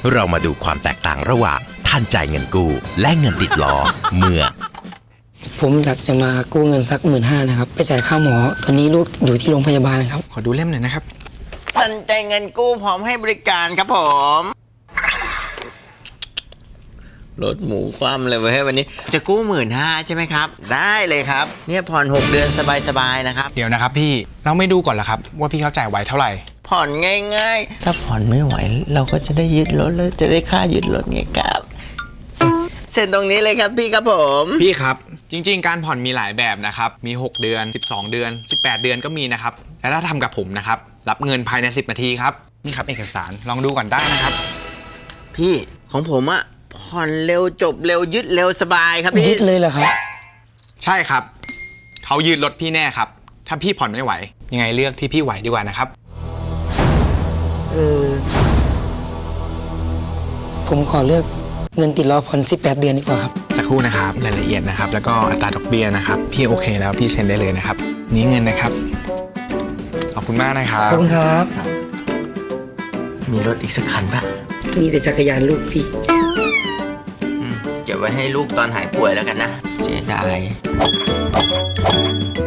เรามาดูความแตกต่างระหว่างท่านจ่ายเงินกู้และเงินติดล้อเมื่อผมอยากจะมากู้เงินสัก15,000นะครับไปจ่ายค่าหมอตอนนี้ลูกอยู่ที่โรงพยาบาลครับขอดูเล่มหน่อยนะครับท่านจ่ายเงินกู้พร้อมให้บริการครับผมรถหมูคว่ำเลยเว้ยวันนี้จะกู้15,000ใช่ไหมครับได้เลยครับเนี่ยผ่อน6 เดือนสบายๆนะครับเดี๋ยวนะครับพี่เราไม่ดูก่อนเหรอครับว่าพี่เขาจ่ายไหวเท่าไหร่ผ่อนง่ายๆถ้าผ่อนไม่ไหวเราก็จะได้ยึดรถแล้วจะได้ค่ายึดรถไงครับเซ็นตรงนี้เลยครับพี่ครับผมพี่ครับจริงๆการผ่อนมีหลายแบบนะครับมี6 เดือน12 เดือน18 เดือนก็มีนะครับแต่ถ้าทำกับผมนะครับรับเงินภายใน10 นาทีครับนี่ครับเอกสารลองดูก่อนได้นะครับพี่ของผมอะผ่อนเร็วจบเร็วยึดเร็วสบายครับพี่ยึดเลยเหรอครับใช่ครับเขายืดรถพี่แน่ครับถ้าพี่ผ่อนไม่ไหวยังไงเลือกที่พี่ไหวดีกว่านะครับผมขอเลือกเงินติดล้อผ่อน18 เดือนดีกว่าครับสักครู่นะครับรายละเอียดนะครับแล้วก็อัตราดอกเบี้ยนะครับพี่โอเคแล้วพี่เซ็นได้เลยนะครับนี้เงินนะครับขอบคุณมากนะครับขอบคุณครับมีรถอีกสักคันปะมีแต่จักรยานลูกพี่เก็บไว้ให้ลูกตอนหายป่วยแล้วกันนะเสียดาย